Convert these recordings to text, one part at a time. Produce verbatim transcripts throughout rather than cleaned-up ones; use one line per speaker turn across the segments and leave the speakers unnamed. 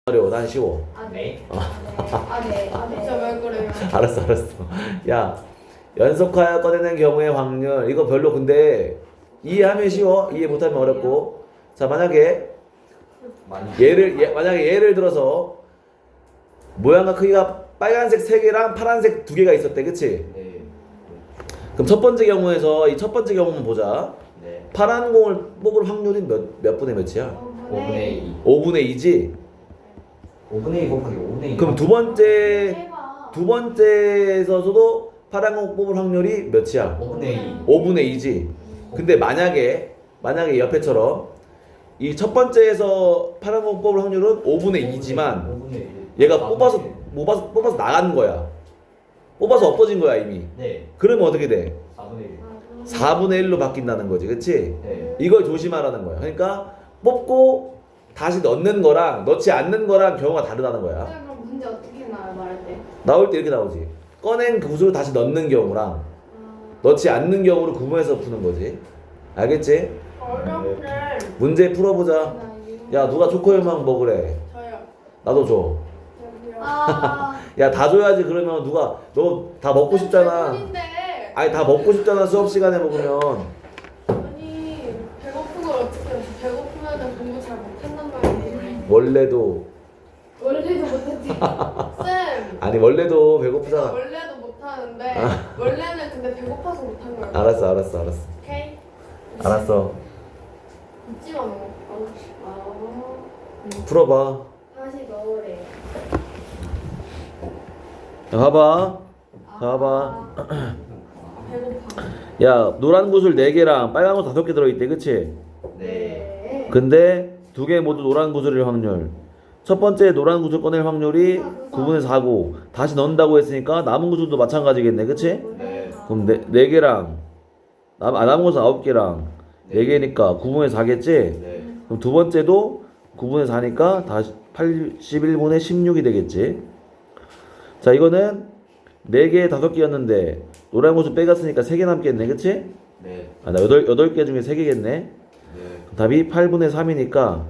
어려워. 난 쉬워.
아,
네.
아, 네. 아, 네.
진짜 왜 그래요?
알았어, 알았어. 야, 연속하여 꺼내는 경우의 확률. 이거 별로 근데 이해하면 쉬워. 이해 못하면 어렵고. 자, 만약에
많이
예를 예, 만약에 예를 들어서 모양과 크기가 빨간색 세 개랑 파란색 두 개가 있었대, 그치?
네.
그럼 첫 번째 경우에서 이 첫 번째 경우만 보자.
네.
파란 공을 뽑을 확률이 몇, 몇 분의 몇이야?
오분의 이.
오분의 이지?
오분의 이 곱하기 오분의 이.
그럼 두 번째
해봐.
두 번째에서도 파란 공 뽑을 확률이 몇이야?
오분의 이.
오분의 이지? 근데 만약에 만약에 옆에처럼 이 첫 번째에서 파란 공 뽑을 확률은 오분의 이지만
오분의 일.
얘가
아,
뽑아서
네.
뽑아서 뽑아서 나가는 거야. 뽑아서 없어진 거야 이미.
네.
그러면 어떻게 돼?
사분의 일.
사분의 일로 바뀐다는 거지, 그치?
네.
이걸 조심하라는 거야. 그러니까 뽑고 다시 넣는 거랑 넣지 않는 거랑 경우가 다르다는 거야.
선생님, 그럼 문제 어떻게 나와요, 말할 때?
나올 때 이렇게 나오지. 꺼낸 그 구슬을 다시 넣는 경우랑
아,
넣지 않는 경우를 구분해서 푸는 거지. 알겠지?
어렵네.
문제 풀어보자.
나 이거-
야, 누가 초코우유만 먹으래?
저요.
나도 줘.
저기요.
아,
야, 다 줘야지. 그러면 누가 너 다 먹고 싶잖아.
배고픈데.
아니, 다 먹고 싶잖아. 수업 시간에 먹으면.
아니 배고픈 걸 어떻게 해? 배고프면 공부 잘 못한단 말이에요.
원래도
원래도 못했지.
쌤.
아니 원래도
제가
배고프잖아.
원래도 못하는데
아.
원래는 근데 배고파서 못한 거예요.
알았어, 알았어, 알았어.
오케이.
알았어.
웃지 마 너.
아,
풀어봐.
다시 넣으래.
자, 봐봐. 봐봐.
배고파.
야, 노란 구슬 네 개랑 빨간 구슬 다섯 개 들어있대, 그치?
네.
근데 두 개 모두 노란 구슬일 확률. 첫 번째 노란 구슬 꺼낼 확률이 구분의 사고 다시 넣는다고 했으니까 남은 구슬도 마찬가지겠네, 그치?
네.
그럼 네, 네 개랑 남, 아, 남은 구슬 아홉 개랑 네 개니까 구분의 사겠지?
네.
그럼 두 번째도 구분의 사니까 다시 팔십일 분의 십육이 되겠지? 자, 이거는 네 개, 다섯 개였는데 노란 구슬 빼갔으니까 세 개 남겠네, 그치?
네.
아, 나 여덟, 여덟 개 중에 세 개겠네?
네.
답이 팔 분의 삼이니까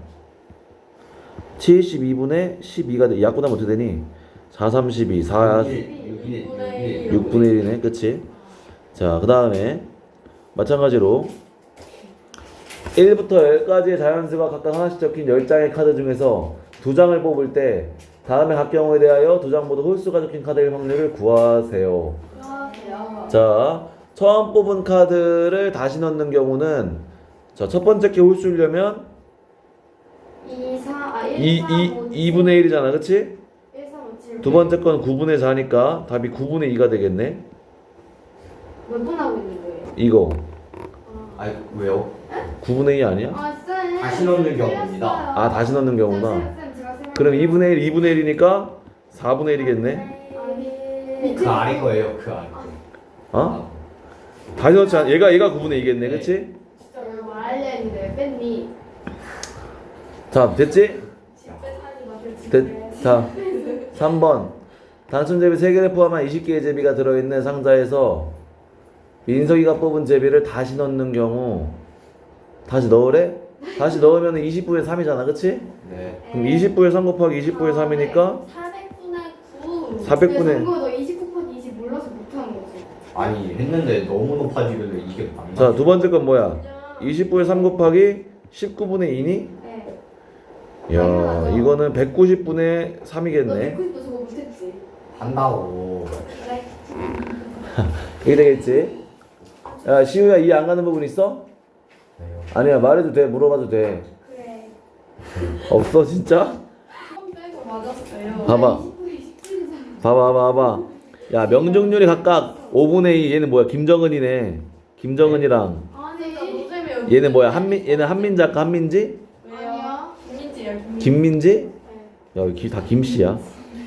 칠십이 분의 십이가 돼. 약분하면 어떻게 되니? 사, 삼십이, 사, 육 분의 일이네. 그치? 자, 그 다음에 마찬가지로 일부터 십까지의 자연수가 각각 하나씩 적힌 십 장의 카드 중에서 두 장을 뽑을 때 다음에 각 경우에 대하여 두 장 모두 홀수가 적힌 카드의 확률을 구하세요.
안녕하세요.
자, 처음 뽑은 카드를 다시 넣는 경우는 자, 첫 번째 게 홀수려면
이, 사, 아, 일,
이,
삼, 오,
이, 이 분의 일이잖아, 그치?
일, 삼, 오, 칠.
두 번째 건 구 분의 사니까 답이 구 분의 이가 되겠네.
몇 분 하고 있는 거예요?
이거
아 왜요?
구 분의 이 아니야?
아, 쌤.
다시 넣는 경우입니다.
아, 다시 넣는 경우나.
쌤, 쌤, 제가 생각해요.
그럼 이 분의 일, 이 분의 일이니까 사 분의 일이겠네.
아니,
그 아래 거예요. 그 아래 거.
어? 다시 넣지 않 얘가 얘가 구 분의 이겠네, 그치?
진짜 왜 말하려 했는데 왜 뺐니?
자, 됐지?
집에
됐, 자, 삼 번. 단순 제비 세 개를 포함한 이십 개의 제비가 들어있는 상자에서 민석이가 뽑은 제비를 다시 넣는 경우 다시 넣으래? 다시 넣으면 이십 분의 삼이잖아, 그치?
네.
그럼 이십 분의 삼 곱하기 이십 분의 삼이니까
사백 분의 구.
사백 분의-
너 이십 곱하기 이십 몰라서 못하는 거지.
아니 했는데 너무 높아지길래 이게 안
자,
맞아요.
두 번째 건 뭐야? 이십 분의 삼 곱하기 십구 분의 이니?
네.
야, 이거는 백구십 분의
너
삼이겠네.
백구십도 저거 못했지.
한다고.
그래.
이게 되겠지? 야, 시우야 이해 안 가는 부분 있어?
네요.
아니야, 말해도 돼. 물어봐도 돼.
그래.
없어, 진짜?
처음 빼고 맞았어요.
봐봐. 봐봐, 봐봐, 봐봐. 야, 명중률이 각각 오 분의 이. 얘는 뭐야? 김정은이네. 김정은이랑
진짜
아니.
노잼이에요.
얘는 뭐야? 한민 얘는 한민지 아까 한민지?
왜요?
아니야.
김민지예요. 김민지.
김민지?
네.
야, 여기 다 김씨야.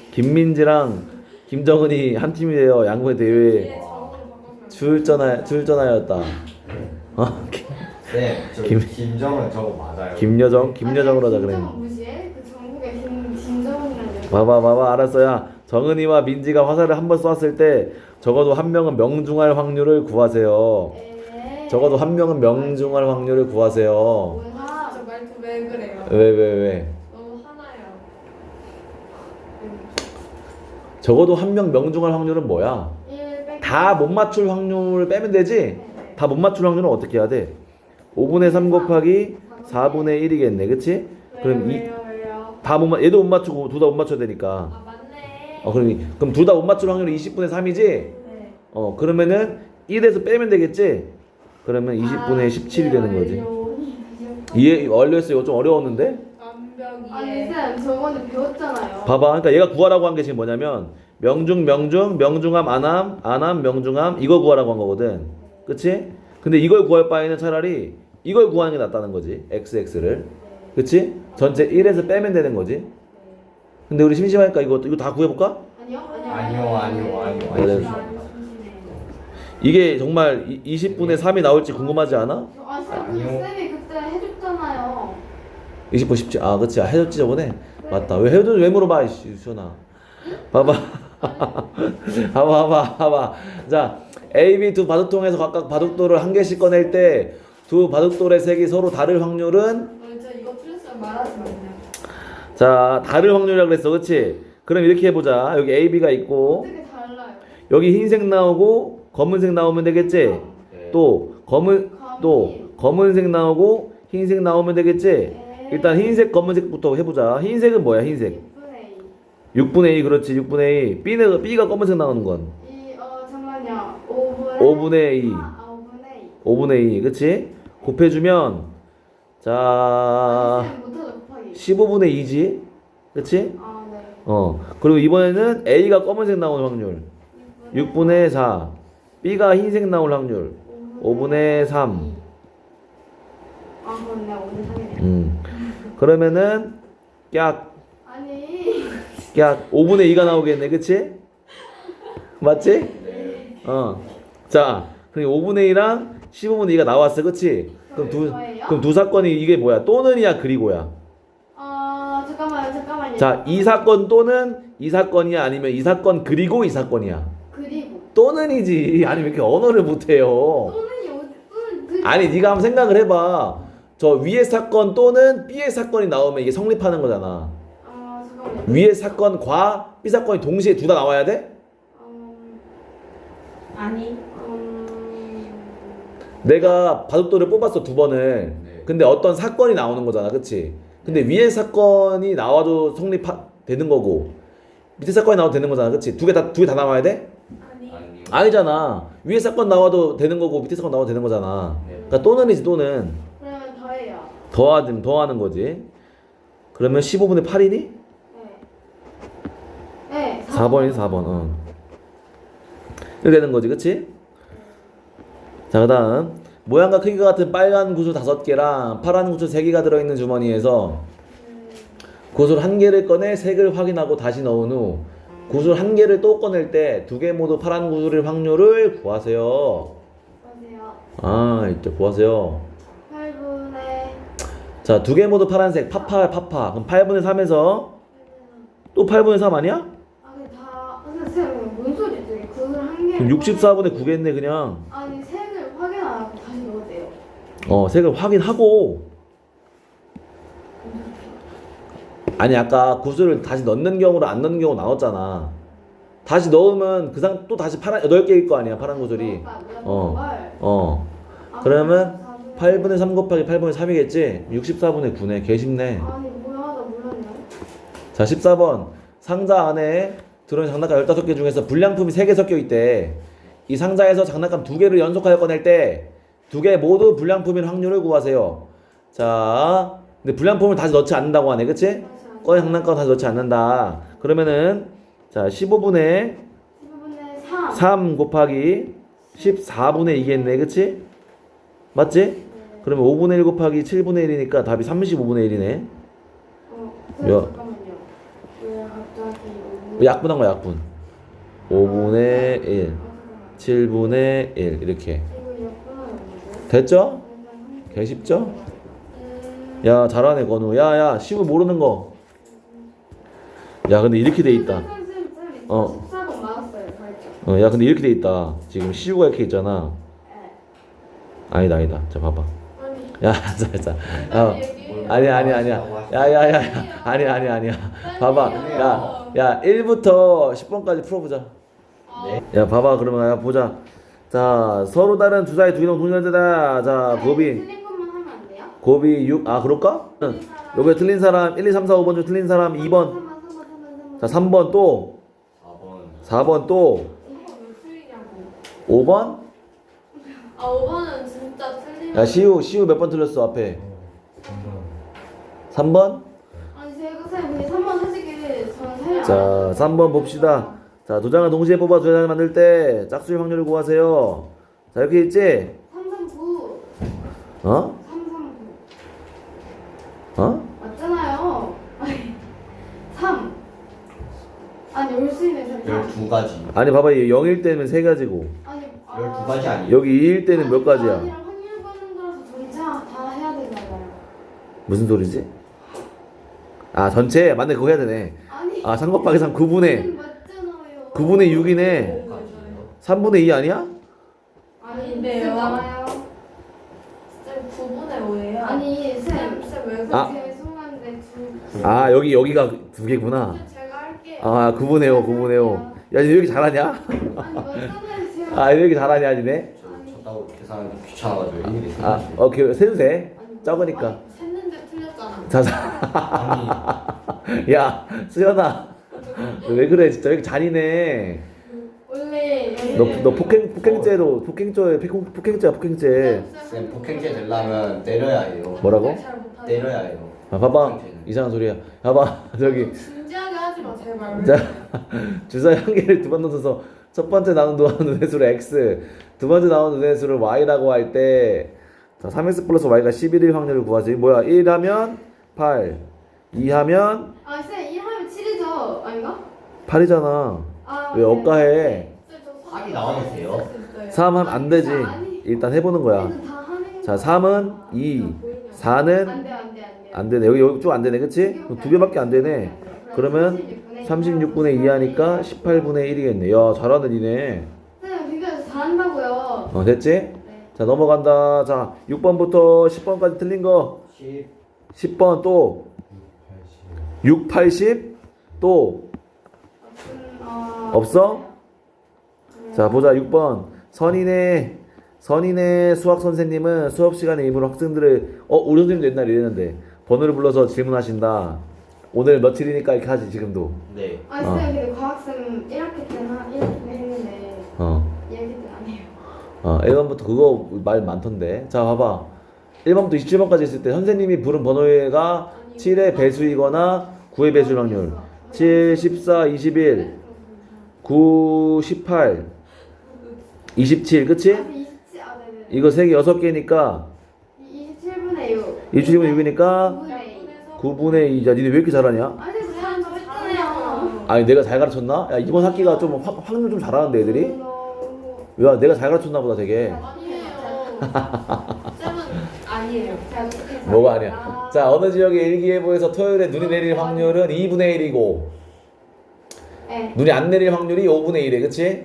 김민지랑 김정은이 한 팀이 되어 양궁의 대회에
예, 저으로 바꿔주면
출전하 출전하였다. 어?
네. 저
김-
김정은 저거 맞아요.
김여정, 김여정으로 하자 그래.
김정은 무시해? 그 전국에 김 김정은이라는 애.
봐봐, 봐봐, 알았어야. 정은이와 민지가 화살을 한 번 쏘았을 때 적어도 한 명은 명중할 확률을 구하세요.
에.
적어도 한 명은 명중할 확률을 구하세요.
뭐야?
진짜 말투 왜 그래요?
왜, 왜, 왜?
너무 화나요.
적어도 한 명 명중할 확률은 뭐야?
일 빼기
다 못 맞출 확률을 빼면 되지?
네.
다 못 맞출 확률은 어떻게 해야 돼? 오분의 삼 곱하기 사분의 일이겠네, 그치? 그럼 이,
왜요 왜요?
다 못 맞, 얘도 못 맞추고 둘 다 못 맞춰야 되니까.
아 맞네.
어, 그럼, 이- 그럼 둘 다 못 맞출 확률이 이십분의 삼이지?
네.
어, 그러면은 일에서 빼면 되겠지? 그러면 이십분의 십칠이 되는 거지. 이해 완료했어. 이거 좀 어려웠는데?
아니
완벽이에
쌤 저번에 배웠잖아요.
봐봐. 그러니까 얘가 구하라고 한 게 지금 뭐냐면 명중, 명중, 명중함, 안함, 안함, 명중함 이거 구하라고 한 거거든. 그치? 근데 이걸 구할 바에는 차라리 이걸 구하는 게 낫다는 거지. 엑스 엑스를. 그치? 전체 일에서 빼면 되는 거지. 근데 우리 심심하니까 이거 이거 다 구해볼까?
아니요?
아니요, 아니요, 아니요.
그래.
아니요.
이게 정말 이- 이십분의 삼이 나올지 궁금하지 않아?
아 쌤,
아니요.
근데 쌤이 그때 해줬잖아요.
이십분 십칠. 아, 그치. 아, 해줬지 저번에. 맞다. 왜 해줬 왜 물어봐, 이씨, 유천아. 봐봐. 봐봐, 봐봐, 봐봐. 자, A, B 두 바둑통에서 각각 바둑돌을 한 개씩 꺼낼 때 두 바둑돌의 색이 서로 다를 확률은
어, 저 이거 틀렸으면 말하지 마세요.
자, 다를 확률이라고 그랬어, 그치? 그럼 이렇게 해보자. 여기 A, B가 있고
어떻게 달라요?
여기 흰색 나오고 검은색 나오면 되겠지?
네.
또 검은 또 검은색 나오고 흰색 나오면 되겠지?
네.
일단 흰색 검은색부터 해보자. 흰색은 뭐야? 흰색
육분의 이.
육분의 이. 그렇지. 육분의 이. B는 B가 검은색 나오는 건
이, 어, 잠깐만요. 오분의
오분의 이.
아, 오분의 이.
오분의 이. 그치? 곱해주면 자
아, 쌤 못하죠, 곱하기.
십오분의 이지. 그치?
아, 네.
어. 그리고 이번에는 A가 검은색 나오는 확률 육분의 사. B가 흰색 나올 확률 오분의 삼.
아, 그렇네. 오분의 삼이네요.
음. 그러면은 깍
아니.
깍 오분의 이가 나오겠네. 그치? 맞지? 어. 자, 그럼 오분의 이랑 십오분의 이가 나왔어. 그치? 그럼 두, 그럼 두 사건이 이게 뭐야? 또는이야, 그리고야?
아, 잠깐만요. 잠깐만요.
자, 이 사건 또는 이 사건이야? 아니면 이 사건 그리고 이 사건이야?
그리고
또는이지. 아니, 왜 이렇게 언어를 못해요?
또는이 어디 또는 그
아니, 네가 한번 생각을 해봐. 저 위의 사건 또는 B의 사건이 나오면 이게 성립하는 거잖아.
아, 잠깐만요.
위의 사건과 B 사건이 동시에 둘 다 나와야 돼?
음,
아니.
음,
내가 바둑돌을 뽑았어, 두 번을.
네.
근데 어떤 사건이 나오는 거잖아, 그치? 근데 위에 사건이 나와도 성립되는 거고 밑에 사건이 나와도 되는 거잖아, 그치? 두 개 다 두 개 다 나와야 돼?
아니.
아니요.
아니잖아. 위에 사건 나와도 되는 거고 밑에 사건 나와도 되는 거잖아.
네.
그러니까 또는이지, 또는.
그러면 더해요.
더하든 더하는 거지. 그러면 십오분의 팔이니?
네. 네.
사 번이지, 사 번. 어. 이렇게 되는 거지, 그치? 자, 그 다음 모양과 크기가 같은 빨간 구슬 다섯 개랑 파란 구슬 세 개가 들어있는 주머니에서 구슬 한 개를 꺼내 색을 확인하고 다시 넣은 후 구슬 한 개를 또 꺼낼 때 두 개 모두 파란 구슬의 확률을 구하세요.
보세요.
아, 이제 구하세요.
팔분의
자, 두 개 모두 파란색. 파파, 파파. 그럼 팔분의 삼에서 또 팔분의 삼 아니야?
아, 근데 다 근데 쌤, 뭔 소리지? 구슬 한 개.
그럼 육십사분의 구겠네, 그냥.
아니, 색을 확인 안 하고 다시 넣으세요.
어, 색을 확인하고. 아니, 아까 구슬을 다시 넣는 경우로 안 넣는 경우 나왔잖아. 다시 넣으면 그 상 또 다시 파란 여덟 개일 거 아니야, 파란 구슬이. 어. 어.
아,
그러면
사분의
팔분의 삼 곱하기 팔분의 삼이겠지? 육십사분의 구네. 개 쉽네.
아니, 뭐야, 나 몰랐네.
자, 십사 번. 상자 안에 들어있는 장난감 열다섯 개 중에서 불량품이 세 개 섞여 있대. 이 상자에서 장난감 두 개를 연속하여 꺼낼 때 두 개 모두 불량품인 확률을 구하세요. 자, 근데 불량품을 다시 넣지 않는다고 하네. 그치? 꺼낸 장난감 다시 넣지 않는다. 그러면은 자, 십오분의
십오분의 삼.
삼 곱하기 십사분의 이겠네. 그치? 맞지?
네.
그러면 오분의 일 곱하기 칠분의 일이니까 답이 삼십오분의 일이네.
어,
야.
잠깐만요. 왜 갑자기 오분?
약분한 거야, 약분. 오분의 일,
아, 잠깐만.
칠분의 일 이렇게.
이거 역분하는
됐죠?
거죠?
개 쉽죠?
음,
야, 잘하네, 건우. 야, 야, 쉬우 모르는 거. 야, 근데 이렇게 돼 있다.
쌤, 쌤, 쌤,
어.
십사 번 맞았어요, 살짝.
어, 야, 근데 이렇게 돼 있다. 지금 시우가 이렇게 있잖아.
네.
아니다, 아니다. 자, 봐봐.
아니.
야, 자, 자.
빨리
야,
얘기해.
아니야 아니야 아니야. 야야야. 아니야 아니야 아니야. 봐봐. 야, 야 일부터 십 번까지 풀어보자.
네.
야 봐봐 그러면 야 보자. 자 서로 다른 주사의 두 이동 동일한데다. 자 곱이
틀린 것만 하면 안 돼요?
곱이 육. 아 그럴까? 응. 요게 틀린 사람 일, 이, 삼, 사, 오 번 중 틀린 사람 이 번.
삼 번, 삼 번, 삼 번, 삼 번.
자 삼 번 또.
사 번.
사 번 또.
이거 왜 틀리냐고.
오 번?
아 오 번은 진짜 틀리면.
야 시우 시우 몇 번 틀렸어 앞에? 삼 번?
아니 제가 쌤 근데 삼 번 솔직히 저는 살려.
자 삼 번 봅시다. 자 도장을 동시에 뽑아 두 장을 만들 때 짝수의 확률을 구하세요. 자 이렇게 있지?
삼 삼 구.
어?
삼 삼 구.
어?
맞잖아요. 아니 삼. 아니 올 수 있는 쌤 삼.
열두 가지.
아니 봐봐 얘 영일 때는 세 가지고
아니 아,
열두 가지 아니에요?
여기 이일 때는 몇 가지야?
아니랑 확률 보는 거라서 전체 다 해야 되잖아요.
무슨 소리지? 아 전체 맞네 그거 해야 되네.
아니.
아 삼 곱하기 삼 구분의
쌤 맞잖아요.
구분의 육이네. 삼분의 이 아니야?
아닌데요.
쌤 나와요.
쌤 구 분의 오예요.
아니 쌤.
쌤왜
아.
죄송한데 두.
아 여기 여기가 두 개구나.
제가 할게요.
아 구분의 오 구분의 오. 야 너 왜 이렇게 잘하냐?
아니 맞잖아요 제가.
아 왜 이렇게 잘하냐 니네?
저 쳤다고 계산하기 귀찮아가지고 일일이
아
세주세요.
오케이 세도 돼. 적으니까.
아니, 샜는데 틀렸잖아.
자, 자.
아니
야 수연아 너 왜 그래 진짜 왜 이렇게 잔인해.
원래
너, 너 폭행 폭행죄로 폭행죄 폭행 폭행죄야 폭행죄.
쌤 폭행죄 되려면 때려야 해요.
뭐라고?
잘 못하죠.
때려야 해요.
아 봐봐 이상한 소리야. 봐봐 저기
진지하게 하지 마 제발.
자 주사위 한 개를 두 번 넣어서 첫 번째 나온 눈의 수를 x, 두 번째 나온 눈의 수를 y라고 할 때 자 삼 엑스 플러스 y가 십일일 확률을 구하세요. 뭐야 일 하면 팔, 이 하면
아 쌤 일 하면 칠이죠 아닌가?
팔이잖아.
아,
왜 억가해?
팔이 나오면 돼요?
삼 하면 안 되지. 일단 해보는 거야.
다 하는
자 삼은 이, 사는
안돼 안돼 안돼.
안 되네. 여기 여기 쭉 안 되네, 그렇지? 두 개밖에 안 되네. 그러면 삼십육분의 이 하니까 십팔분의 일이겠네. 야 잘하는 이네.
쌤 비교해서 잘한다고요.
어 됐지?
네.
자 넘어간다. 자 육 번부터 십 번까지 틀린 거.
십,
십 번 또 육, 팔십 또
음, 어,
없어? 자 보자 육 번 선인의 선인의 수학 선생님은 수업 시간에 임으로 학생들을 어 우리 선생님도 옛날에 이랬는데 번호를 불러서 질문하신다. 오늘 며칠이니까 이렇게 하지 지금도.
네.
아니
어.
쌤 근데 과학쌤 일 학기 때는 한 일 학기 때 했는데
어.
이 학기 때는 안 해요.
어 일 번부터 그거 말 많던데. 자 봐봐 일 번부터 이십칠 번까지 있을 때 선생님이 부른 번호가 칠의 배수이거나 구의 배수일 확률 칠, 십사, 이십일, 구, 십팔, 이십칠 그치?
아, 이십칠 아 네네.
이거 세 개 여섯 개니까
이십칠분의 육.
이십칠분의 육이니까
구분의 이.
구분의 이. 야 니네 왜 이렇게 잘하냐?
아니 그냥 저 했잖아요.
아니 내가 잘 가르쳤나? 야 이번 학기가 좀 확, 확률 좀 잘하는데 애들이?
너무
야 내가 잘 가르쳤나 보다 되게.
아니에요. 쌤은 아니에요.
잘 못해서.
뭐가 아니야. 자 어느 지역의 일기예보에서 토요일에 눈이 내릴 확률은 이분의 일이고
네.
눈이 안 내릴 확률이 오분의 일이래 그치?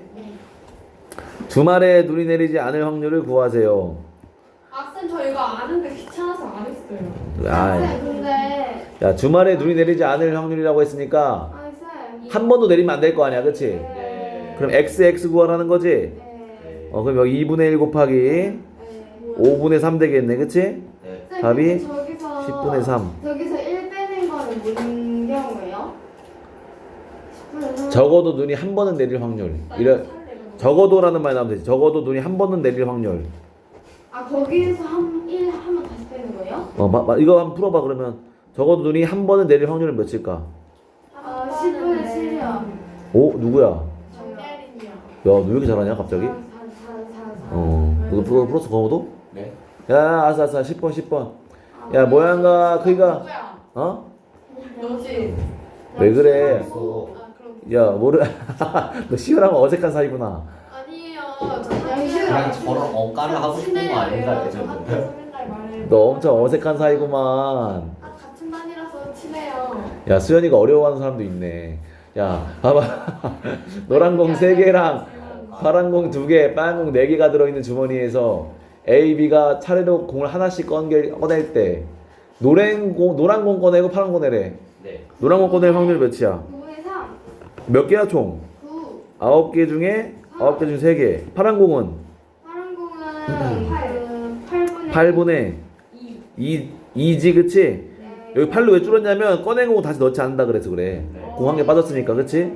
주말에 눈이 내리지 않을 확률을 구하세요.
아쌤 저 이거 아는데 귀찮아서 안 했어요.
아,
쌤 근데
야 주말에 눈이 내리지 않을 확률이라고 했으니까
아니 쌤.
한 번도 내리면 안 될 거 아니야 그치?
네.
그럼 x x 구하라는 거지?
네.
네.
어 그럼 여기 이분의 일 곱하기
네.
오분의 삼 되겠네 그치?
네.
쌤,
답이
근데 저기서
십분의 삼.
저기서 일 빼는 거는 무슨 경우예요? 십분의 삼.
적어도 눈이 한 번은 내릴 확률 이래 적어도라는 말이 나오면 되지. 적어도 눈이 한 번은 내릴 확률.
아 거기에서 한 일 하면 다시 빼는 거예요?
어, 마, 마, 이거 한번 풀어봐 그러면. 적어도 눈이 한 번은 내릴 확률은 몇일까?
아 십분의 칠이요.
오 누구야?
정예린이요.
야 너 왜 이렇게 잘하냐 갑자기?
사, 사, 사, 사.
어 너도 풀어, 풀었어 거모도?
네.
야 알았어 알았어 십 번 십 번. 야 모양과 크기가
누구야?
어?
너지.
왜 그래?
그래서
아 그럼
야 모르 너 시원하면 어색한 사이구나.
아니에요. 저
그냥 저런 억까를 하고 싶은 거 아닌가
저
예전에.
학교에서 맨날 말해요.
너 엄청 어색한 사이구만.
아 같은 반이라서 친해요.
야 수연이가 어려워하는 사람도 있네. 야 봐봐 노란 공 세 개랑 파란 공 두 개, 빨간 공 네 개가 들어있는 주머니에서 A, B가 차례로 공을 하나씩 꺼낼, 꺼낼 때 노란 공 노란 공 꺼내고 파란 공 내래.
네.
노란 공 꺼낼 확률 몇이야?
구분의 삼,
몇 개야 총?
구,
아홉 개 중에 아홉 개 중에 세 개. 파란 공은
파란 공은 팔, 팔분의
팔분의
이.
이, 이지 그치?
네.
여기 팔로 왜 줄었냐면 꺼낸 공 다시 넣지 않는다 그래서 그래.
네.
공 한 개 빠졌으니까 그치?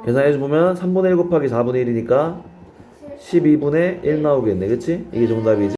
계산해보면 삼분의 일 곱하기 사분의 일이니까 십이분의 일 나오겠네 그치? 이게 정답이지.